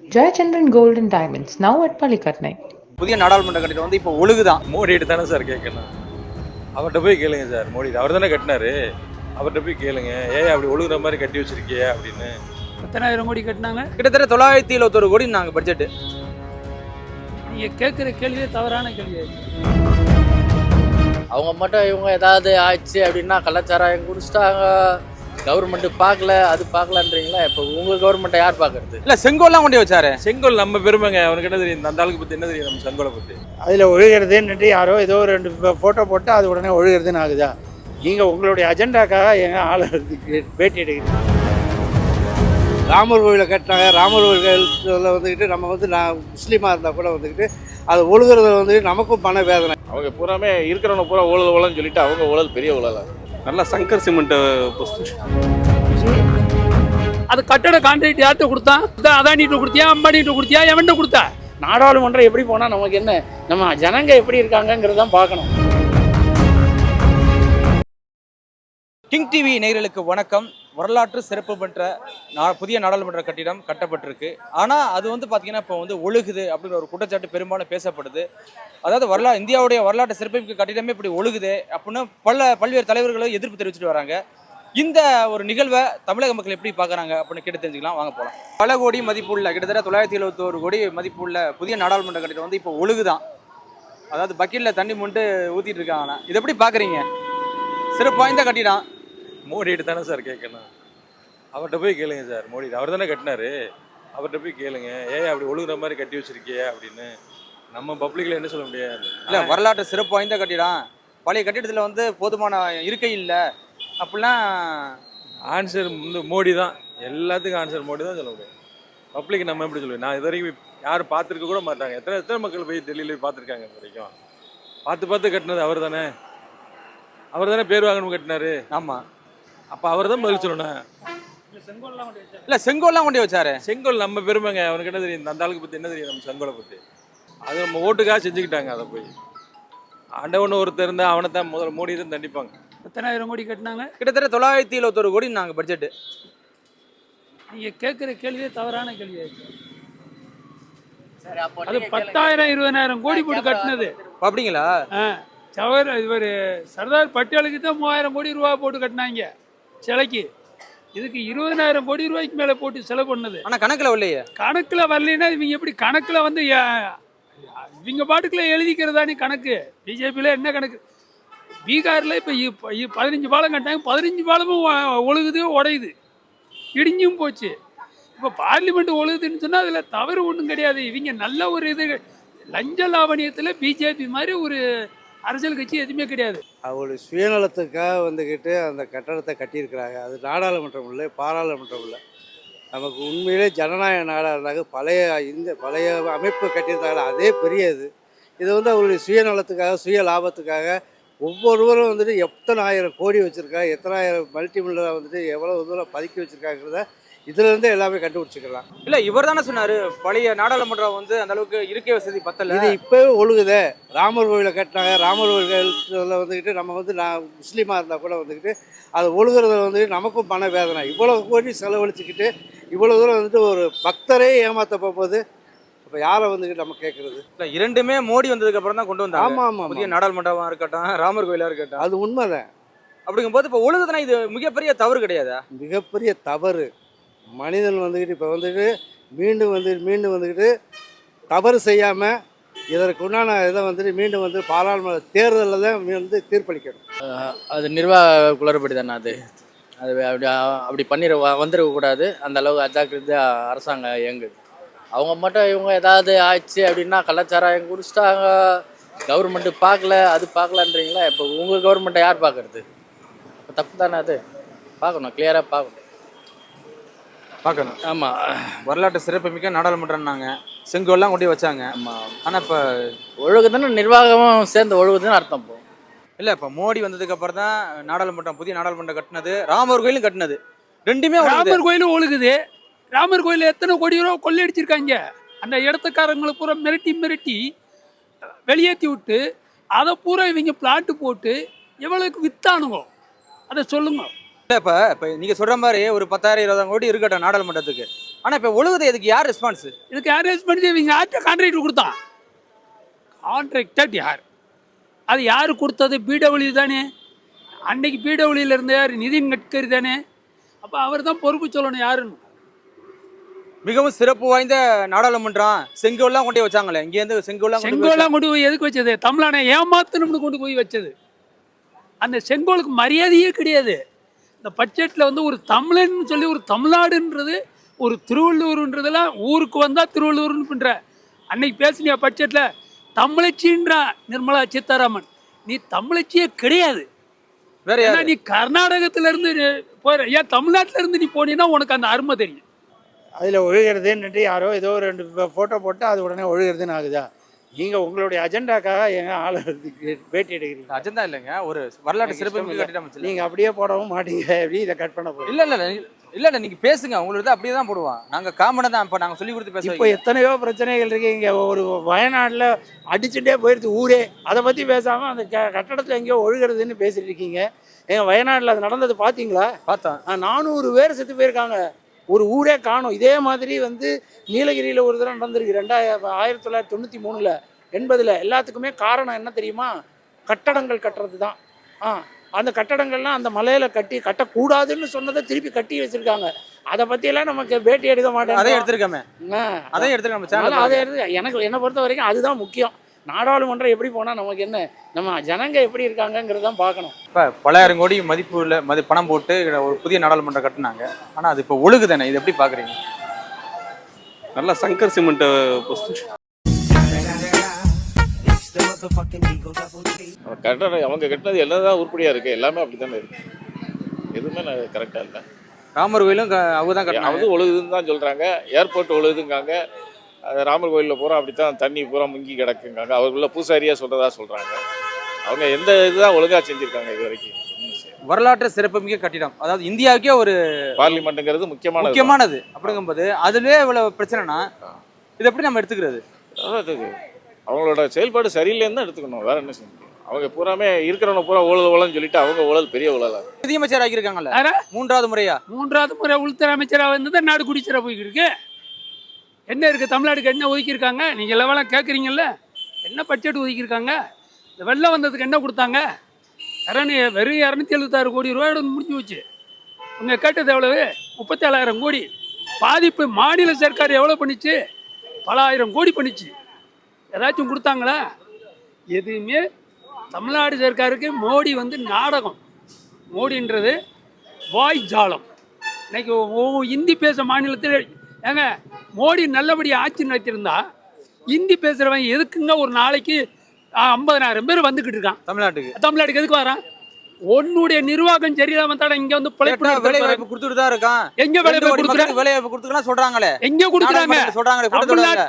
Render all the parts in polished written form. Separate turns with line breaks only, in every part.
Jayachandran Gold and Diamonds, now at Palikatnai.
புதிய நாடாளுமன்ற கட்டிடம் வந்து இப்போ ஒழுகுதான்.
மோடிட்டு தானே சார் கேட்கணும். அவர்கிட்ட போய் கேளுங்க சார். மோடி அவர் தானே கட்டினாரு. அவர்கிட்ட போய் கேளுங்க, ஏன் அப்படி ஒழுகுற மாதிரி கட்டி வச்சிருக்கிய அப்படின்னு.
10,000 கோடி கட்டினாங்க.
கிட்டத்தட்ட 971 கோடி நாங்கள் பட்ஜெட்டு.
நீங்கள் கேட்குற கேள்வியே தவறான கேள்வி.
அவங்க மட்டும் இவங்க ஏதாவது ஆச்சு அப்படின்னா கலாச்சாரம் குடிச்சிட்டாங்க, கவர்மெண்ட் பார்க்கல அது பார்க்கலன்றீங்களா? இப்போ உங்கள் கவர்மெண்ட்டை யார் பார்க்கறது?
இல்லை செங்கோல்லாம் கொண்டு வச்சாரு.
செங்கோல் நம்ம பெருமைங்க. அவனுக்கு என்ன தெரியும்? அந்த ஆளுக்கு பற்றி என்ன தெரியும் நம்ம செங்கோலை பற்றி?
அதில் ஒழுகிறதுன்னுட்டு யாரோ ஏதோ 2 ஃபோட்டோ போட்டு அது உடனே ஒழுகிறதுன்னு ஆகுதா? நீங்கள் உங்களுடைய அஜெண்டாக்காக எங்கள் ஆளை பேட்டி எடுக்கிறீங்க.
ராமர் கோவிலை கட்டினாங்க. ராமர் கோவிலில் வந்துக்கிட்டு நம்ம நான் முஸ்லீமாக இருந்தால் கூட வந்துக்கிட்டு அது ஒழுகிறத வந்துட்டு நமக்கும் பண வேதனை.
அவங்க பூராமே இருக்கிறவங்க பூரா ஊழல் ஊழல்னு சொல்லிட்டு அவங்க ஊழல் பெரிய ஊழல். நல்லா சங்கர் சிமெண்ட்
அது கட்டட கான்ட்ராக்ட் யார்கிட்ட கொடுத்தான்? அதானிட்டு கொடுத்தியா, அம்பானிட்டு கொடுத்தியா, எவன்கிட்ட கொடுத்தா?
நாடாளுமன்றம் எப்படி போனால் நமக்கு என்ன? நம்ம ஜனங்க எப்படி இருக்காங்கங்கிறதான் பார்க்கணும்.
கிங் டிவி நேயர்களுக்கு வணக்கம். வரலாற்று சிறப்பு பெற்ற புதிய நாடாளுமன்ற கட்டிடம் கட்டப்பட்டிருக்கு. ஆனால் அது வந்து பார்த்தீங்கன்னா இப்போ வந்து ஒழுகுது அப்படிங்கிற ஒரு குற்றச்சாட்டு பெரும்பாலும் பேசப்படுது. அதாவது இந்தியாவுடைய வரலாற்று சிறப்புமிக்க கட்டிடமே இப்படி ஒழுகுது அப்படின்னு பல்வேறு தலைவர்களும் எதிர்ப்பு தெரிவிச்சுட்டு வராங்க. இந்த ஒரு நிகழ்வை தமிழக மக்கள் எப்படி பார்க்குறாங்க அப்படின்னு கேட்டு தெரிஞ்சுக்கலாம், வாங்க போகலாம். பல கோடி மதிப்புள்ள கிட்டத்தட்ட 971 கோடி மதிப்புள்ள புதிய நாடாளுமன்ற கட்டிடம் வந்து இப்போ ஒழுகுதான். அதாவது பக்கெட்டில் தண்ணி முண்டு ஊற்றிட்டு இருக்காங்க. இதை எப்படி பார்க்குறீங்க? சிறப்பு வாய்ந்த கட்டிடம்.
மோடிட்டு தானே சார் கேட்கணும். அவர்கிட்ட போய் கேளுங்க சார். மோடி அவர் தானே கட்டினாரு. அவர்கிட்ட போய் கேளுங்க, ஏன் அப்படி ஒழுகுற மாதிரி கட்டி வச்சிருக்கிய அப்படின்னு. நம்ம பப்ளிக்கில் என்ன சொல்ல முடியாது.
இல்லை, வரலாற்று சிறப்பு வாய்ந்த கட்டிடம். பழைய கட்டிடத்தில் வந்து போதுமான இருக்கை இல்லை அப்படிலாம்
ஆன்சர் வந்து மோடி தான். எல்லாத்துக்கும் ஆன்சர் மோடி தான் சொல்ல முடியும். பப்ளிக் நம்ம எப்படி சொல்லுவேன்? நான் இது வரைக்கும் யாரும் பார்த்துருக்க கூட மாட்டாங்க. எத்தனை மக்கள் போய் டெல்லியில் போய் பார்த்துருக்காங்க? இது வரைக்கும் பார்த்து கட்டினது அவர் தானே. அவர் தானே பேர் வாங்கணும் கட்டினாரு.
ஆமாம்,
அப்போ அவர் தான் பதில் சொல்லணும்.
இல்லை செங்கோல்லாம் கொண்டு வச்சாரு.
செங்கோல் நம்ம பெருமைங்க. அவனுக்கு என்ன தெரியும்? அந்த ஆளுக்கு பற்றி என்ன தெரியும் நம்ம செங்கோலை பற்றி? அது நம்ம ஓட்டுக்காக செஞ்சுக்கிட்டாங்க. அதை போய் ஆண்டவன் ஒருத்தர் இருந்தால் அவனை தான் முதல்ல மோடி தான் தண்டிப்பாங்க.
10,000 கோடி கட்டினாங்க.
கிட்டத்தட்ட 971 கோடி நாங்கள் பட்ஜெட்டு.
நீங்கள் கேட்குற கேள்வியே தவறான கேள்வி. அது 10,000 20,000 கோடி போட்டு கட்டினது.
அப்படிங்களா?
இவர் சர்தார் பட்டேலுக்கு தான் 3000 கோடி ரூபா போட்டு கட்டினாங்க சிலைக்கு. இதுக்கு 20,000 கோடி ரூபாய்க்கு மேலே போட்டு செலவு பண்ணது.
ஆனால் கணக்கில் வரலையே.
கணக்கில் வரலைன்னா இவங்க எப்படி கணக்கில் வந்து இவங்க பாட்டுக்குள்ள எழுதிக்கிறதானே கணக்கு. பிஜேபியில் என்ன கணக்கு? பீகாரில் இப்போ 15 பாலம் கட்டாங்க. 15 பாலமும் ஒழுகுது, உடையுது, இடிஞ்சும் போச்சு. இப்போ பார்லிமெண்ட் ஒழுகுதுன்னு சொன்னால் அதில் தவறு ஒன்றும் கிடையாது. இவங்க நல்ல ஒரு இது லஞ்ச லாவணியத்தில் பிஜேபி மாதிரி ஒரு அரசியல் கட்சி எதுவுமே கிடையாது.
அவங்களுடைய சுயநலத்துக்காக வந்துக்கிட்டு அந்த கட்டடத்தை கட்டியிருக்கிறாங்க. அது நாடாளுமன்றம் இல்லை, பாராளுமன்றம் இல்லை. நமக்கு உண்மையிலே ஜனநாயக நாடாக இருந்தாங்க. பழைய அமைப்பு கட்டியிருந்தாங்க. அதே பெரிய இது வந்து அவங்களுடைய சுயநலத்துக்காக, சுய லாபத்துக்காக ஒவ்வொருவரும் வந்துட்டு எத்தனை ஆயிரம் கோடி வச்சுருக்காங்க, எத்தனை ஆயிரம் மல்டி மில்லியனாக வந்துட்டு எவ்வளோ தூரம் பதுக்கி வச்சுருக்காங்கிறத இதுலேருந்து எல்லாமே கண்டுபிடிச்சிக்கலாம்.
இல்லை, இவர் தானே சொன்னார் பழைய நாடாளுமன்றம் வந்து அந்த அளவுக்கு இருக்கை வசதி பத்தல.
இது இப்போவே ஒழுகுதே. ராமர் கோவிலை கட்டினாங்க. ராமர் கோவிலில் வந்துக்கிட்டு நம்ம நான் முஸ்லீமாக இருந்தால் கூட வந்துக்கிட்டு அது ஒழுகிறத வந்துட்டு நமக்கும் பண வேதனை. இவ்வளோ கோடி செலவழிச்சுக்கிட்டு இவ்வளோ தூரம் வந்துட்டு ஒரு பக்தரே ஏமாற்ற போகும்போது இப்போ யாரை வந்துக்கிட்டு நம்ம கேட்குறது?
இல்லை, இரண்டுமே மோடி வந்ததுக்கு அப்புறம் தான் கொண்டு வந்தாங்க.
ஆமாம்,
புதிய நாடாளுமன்றமாக இருக்கட்டும், ராமர் கோயிலாக இருக்கட்டும்.
அது உண்மைதான்.
அப்படிங்கும்போது இப்போ ஒழுகுதுன்னா இது மிகப்பெரிய தவறு கிடையாதா?
மிகப்பெரிய தவறு. மனிதன் வந்துக்கிட்டு இப்போ வந்துட்டு மீண்டும் வந்துக்கிட்டு தவறு செய்யாமல் இதற்கு உண்டான இதை வந்துட்டு மீண்டும் வந்து பாராளுமன்ற தேர்தலில் தான் வந்து தீர்ப்பளிக்கணும்.
அது நிர்வாக குளறுபடி தானே. அது அப்படி வந்துடக்கூடாது. அந்த அளவுக்கு அஜாக்கிரதையாக அரசாங்கம் இயங்குது. அவங்க மட்டும் இவங்க ஏதாவது ஆச்சு அப்படின்னா கலாச்சாரம் குடிச்சிட்டாங்க, கவர்மெண்ட் பார்க்கல அது பார்க்கலன்றீங்களா? இப்போ உங்கள் கவர்மெண்ட்டை யார் பார்க்கறது? இப்போ தப்பு தானே. அது பார்க்கணும், கிளியராக பார்க்கணும். ஆமாம்,
வரலாற்று சிறப்புமிக்க நாடாளுமன்றம்னாங்க. செங்கோல்லாம் கொண்டு வச்சாங்க.
ஆமாம்.
ஆனால் இப்போ
ஒழுகுதுன்னு நிர்வாகமும் சேர்ந்து ஒழுகுதுன்னு அர்த்தம். போ
இல்லை, இப்போ மோடி வந்ததுக்கு அப்புறம் தான் நாடாளுமன்றம் புதிய நாடாளுமன்றம் கட்டினது, ராமர் கோயிலும் கட்டினது. ரெண்டுமே
ராமர் கோயிலும் ஒழுகுது. ராமர் கோயிலில் எத்தனை கோடி ரூபா கொள்ளையடிச்சிருக்காங்க. அந்த இடத்துக்காரங்களை பூரா மிரட்டி வெளியேற்றி விட்டு அதை பூரா இவங்க பிளாட்டு போட்டு எவ்வளோக்கு வித்தானுங்க அதை சொல்லுங்க.
இப்போ நீங்கள் சொல்கிற மாதிரி ஒரு 10,000 20,000 கோடி இருக்கட்டும் நாடாளுமன்றத்துக்கு. ஆனா இப்ப ஒழுகுது, இதுக்கு யார் ரெஸ்பான்ஸ்?
இதுக்கு யார் ரேஸ் பண்ணி இவங்க யார்கிட்ட கான்ட்ராக்ட் கொடுத்தான்? கான்ட்ராக்டட் யார்? அது யார் கொடுத்தது? பிடபிள்யூ தானே. அன்னைக்கு பிடபிள்யூல இருந்த யார்? நிதின் கட்கரி தானே. அப்போ அவர் தான் பொறுப்பு சொல்லணும் யாருன்னு.
மிகவும் சிறப்பு வாய்ந்த நாடாளுமன்றம், செங்கோல்லாம் கொண்டு போய் வச்சாங்களே, இங்க இருந்து
செங்கோலாம் கொண்டு போய் எதுக்கு வச்சது? தமிழனை ஏமாத்தணும்னு கொண்டு போய் வச்சது. அந்த செங்கோலுக்கு மரியாதையே கிடையாது. இந்த பட்ஜெட்டில் வந்து ஒரு தமிழன் சொல்லி ஒரு தமிழ்நாடுன்றது ஒரு திருவள்ளூர்ன்றதெல்லாம் ஊருக்கு வந்தால் திருவள்ளூர்னு பண்ணுற அன்னைக்கு பேசுனியா பட்ஜெட்டில் தமிழச்சின்றா நிர்மலா சீதாராமன். நீ தமிழச்சியே கிடையாது.
வேற
ஏன்னா
யாரு?
நீ கர்நாடகத்திலேருந்து போகிற, ஏன் தமிழ்நாட்டிலேருந்து நீ போனீன்னா உனக்கு அந்த அருமை தெரியும்.
அதில் ஒழுகிறதுன்னுட்டு யாரோ ஏதோ ஒரு 2 ஃபோட்டோ போட்டு அது உடனே ஒழுகிறதுன்னு ஆகுதா? நீங்கள் உங்களுடைய அஜெண்டாக்காக எங்க ஆளுக்கு பேட்டி எடுக்கிறீங்க.
அஜெண்டா இல்லைங்க, ஒரு வரலாற்று சிறப்பு கட்டிடம்.
நீங்கள் அப்படியே போடவும் மாட்டீங்க, எப்படி இதை கட் பண்ண போகிறீங்க?
இல்ல நீங்க பேசுங்க, உங்களுக்கு அப்படியே தான் போடுவான். நாங்க காமனை தான் இப்ப நாங்க சொல்லி கொடுத்து
இப்போ
பேசுவோம்.
எத்தனையோ பிரச்சனைகள் இருக்கு. இங்கே ஒரு வயநாட்டில் அடிச்சுட்டே போயிடுது ஊரே. அதை பற்றி பேசாமல் அந்த கட்டடத்தில் எங்கேயோ ஒழுகிறதுன்னு பேசிட்டு இருக்கீங்க. எங்கள் வயநாட்டில் அது நடந்தது பார்த்தீங்களா?
பார்த்தோம்.
400 பேர் செத்து போயிருக்காங்க, ஒரு ஊரே காணும். இதே மாதிரி வந்து நீலகிரியில் ஒரு தடவை நடந்திருக்கு 1993 80. எல்லாத்துக்குமே காரணம் என்ன தெரியுமா? கட்டடங்கள் கட்டுறது தான். அந்த கட்டடங்கள்லாம் அந்த மலையில கட்டக்கூடாதுன்னு சொன்னதை திருப்பி கட்டி வச்சிருக்காங்க. அதை பற்றியெல்லாம் நமக்கு பேட்டி எடுக்க மாட்டேன்.
அதை எடுத்துருக்காமே, அதை எடுத்துருக்காம
அதை எடுத்து எனக்கு என்னை பொறுத்த வரைக்கும் அதுதான் முக்கியம். நாடாளுமன்றம் எப்படி போனால் நமக்கு என்ன, நம்ம ஜனங்க எப்படி இருக்காங்கங்கிறது தான் பார்க்கணும்.
இப்போ பலாயிரம் கோடி மதிப்பு உள்ள பணம் போட்டு ஒரு புதிய நாடாளுமன்றம் கட்டினாங்க. ஆனால் அது இப்போ ஒழுகுதானே, இது எப்படி பார்க்குறீங்க?
நல்லா சங்கர் சிமெண்ட் கட்டணம் அவங்க கட்டினது எல்லாம் தான் உருப்படியாக இருக்குது. எல்லாமே அப்படி தானே இருக்குது, எதுவுமே கரெக்டாக இல்லை.
ராமர் கோயிலும் அவங்க தான் கட்டினாங்க,
அது ஒழுகுதுன்னு தான் சொல்கிறாங்க. ஏர்போர்ட் ஒழுகுதுங்காங்க. அது ராமர் கோயிலில் பூரா அப்படி தான் தண்ணி பூரா முங்கி கிடக்குங்காங்க. அவருக்குள்ள பூசாரியாக சொல்கிறதா சொல்கிறாங்க. அவங்க எந்த இதுதான் ஒழுங்காக செஞ்சுருக்காங்க இது வரைக்கும்?
வரலாற்று சிறப்புமிக்க கட்டிடம், அதாவது இந்தியாவுக்கே ஒரு
பார்லிமெண்ட்டுங்கிறது
முக்கியமானது அப்படிங்கும்போது அதுலேயே இவ்வளவு பிரச்சனைனா இது எப்படி நம்ம எடுத்துக்கிறது?
அதாவது அவங்களோட செயல்பாடு சரியில்லைன்னு தான் எடுத்துக்கணும், வேற என்ன செய்ய முடியும்? அவங்க பூராமே இருக்கிறவங்க பூரா ஊழல்னு சொல்லிட்டு அவங்க ஊழல் பெரிய ஊழலா
நிதியமைச்சர் ஆகியிருக்காங்கல்ல, மூன்றாவது
முறை உள்துறை அமைச்சராக வந்து தான் நாடு குடிச்சிட போய்கிட்டு இருக்கு. என்ன இருக்குது தமிழ்நாடுக்கு? என்ன ஒதுக்கியிருக்காங்க? நீங்கள் லெவலாம் கேட்குறீங்கல்ல, என்ன பட்ஜெட் ஒதுக்கியிருக்காங்க? இந்த வெள்ளம் வந்ததுக்கு என்ன கொடுத்தாங்க? வெறும் 276 கோடி ரூபாயோட முடிஞ்சு வச்சு. உங்கள் கேட்டது எவ்வளவு? 37,000 கோடி. பாதிப்பு மாநில சர்க்கார் எவ்வளோ பண்ணிச்சு? பல ஆயிரம் கோடி பண்ணிச்சு. ஏதாச்சும் கொடுத்தாங்களா? எதுவுமே. தமிழ்நாடு சர்க்காருக்கு மோடி வந்து நாடகம். மோடின்றது வாய் ஜாலம். இன்னைக்கு இந்தி பேச மாநிலத்தில் ஏங்க மோடி நல்லபடியாக ஆட்சி நடத்தியிருந்தா ஹிந்தி பேசுகிறவன் எதுக்குங்க ஒரு நாளைக்கு 50,000 பேர் வந்துக்கிட்டு இருக்கான் தமிழ்நாட்டுக்கு எதுக்கு வரான்? உன்னுடைய நிர்வாகம் சரியில்லாம தானே இங்க வந்து
வேலைவாய்ப்பு கொடுத்துட்டு தான் இருக்கான்.
எங்க
வேலைவாய்ப்பு கொடுத்துக்கலாம் சொல்றாங்களே,
எங்க கொடுக்குறாங்க?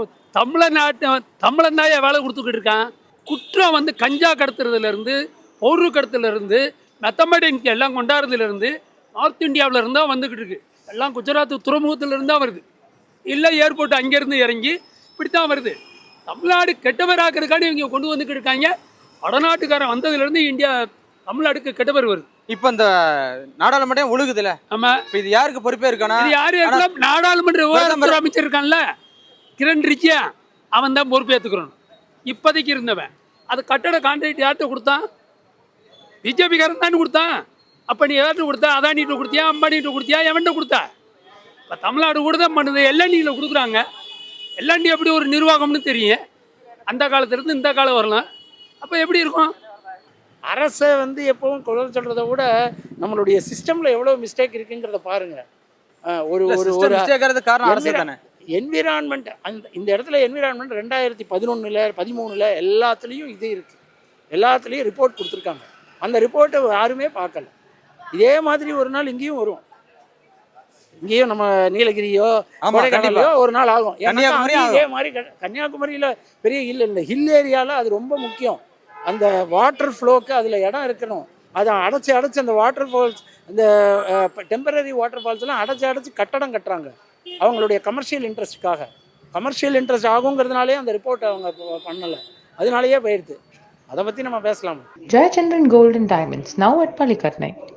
தமிழன் தான் வேலை கொடுத்துக்கிட்டு இருக்கான். குற்றம் வந்து கஞ்சா கடத்துறதுல இருந்து, பொருள் கடத்துல இருந்து, மெத்தமெட்டிக்ஸ் எல்லாம் கொண்டாடுறதுல இருந்து, நார்த் இந்தியாவில இருந்தா வந்துகிட்டு இருக்கு. எல்லாம் குஜராத் துறைமுகத்துல இருந்தா வருது, இல்லை ஏர்போர்ட் அங்கிருந்து இறங்கி இப்படித்தான் வருது. தமிழ்நாடு கெட்டவராக்கிறதுக்காண்டி இவங்க கொண்டு வந்துக்கிட்டு இருக்காங்க. வடநாட்டுக்காரன் வந்ததுலேருந்து இந்தியா தமிழ்நாடுக்கு கெட்டவர் வருது.
இப்போ இந்த நாடாளுமன்றம் ஒழுகுதுல,
ஆமா,
இப்போ இது யாருக்கு பொறுப்பே இருக்கானா?
இது யாரு? நாடாளுமன்ற விவகாரத்துறை அமைச்சர் இருக்கான்ல கிரண் ரிஜியா, அவன் தான் பொறுப்பேற்றுக்கிறோம். இப்போதைக்கு இருந்தவன். அது கட்டட கான்ட்ராக்ட் யார்கிட்ட கொடுத்தான்? பிஜேபிக்காரன் தானே கொடுத்தான். அப்போ நீ யார்கிட்ட கொடுத்தா? அதானிகிட்ட கொடுத்தியா, அம்பானிகிட்ட கொடுத்தியா, எவன்கிட்ட கொடுத்தா? இப்போ தமிழ்நாடு கூட தான் பண்ணுது, எல்என்டியில் கொடுக்குறாங்க. எல்என்டி எப்படி ஒரு நிர்வாகம்னு தெரியும். அந்த காலத்திலிருந்து இந்த காலம் வரலாம். அப்போ எப்படி இருக்கும்?
அரசை வந்து எப்பவும் குறை சொல்கிறத விட நம்மளுடைய சிஸ்டமில் எவ்வளோ மிஸ்டேக் இருக்குங்கிறத பாருங்கள். என்விரான்மெண்ட் இந்த இடத்துல என்விரான்மெண்ட் 2011-13 எல்லாத்துலேயும் இது இருக்குது. எல்லாத்துலேயும் ரிப்போர்ட் கொடுத்துருக்காங்க. அந்த ரிப்போர்ட்டை யாருமே பார்க்கல. இதே மாதிரி ஒரு நாள் இங்கேயும் வரும். இங்கேயும் நம்ம நீலகிரியோ கொடைக்கானலையோ ஒரு நாள் ஆகும். இதே மாதிரி கன்னியாகுமரியில் பெரிய ஹில், இந்த ஹில் ஏரியாவில் அது ரொம்ப முக்கியம். அந்த வாட்டர் ஃப்ளோக்கு அதில் இடம் இருக்கணும். அதை அடைச்சி அந்த வாட்டர் ஃபால்ஸ், இந்த டெம்பரரி வாட்டர் ஃபால்ஸ்லாம் அடைச்சி கட்டடம் கட்டுறாங்க அவங்களுடைய கமர்ஷியல் இன்ட்ரெஸ்ட்டுக்காக. கமர்ஷியல் இன்ட்ரெஸ்ட் ஆகுங்கிறதுனாலே அந்த ரிப்போர்ட்டை அவங்க பண்ணலை, அதனாலேயே போயிடுது. அதை பற்றி நம்ம பேசலாம்.
Jayachandran Gold and Diamonds, now at Palikatnai.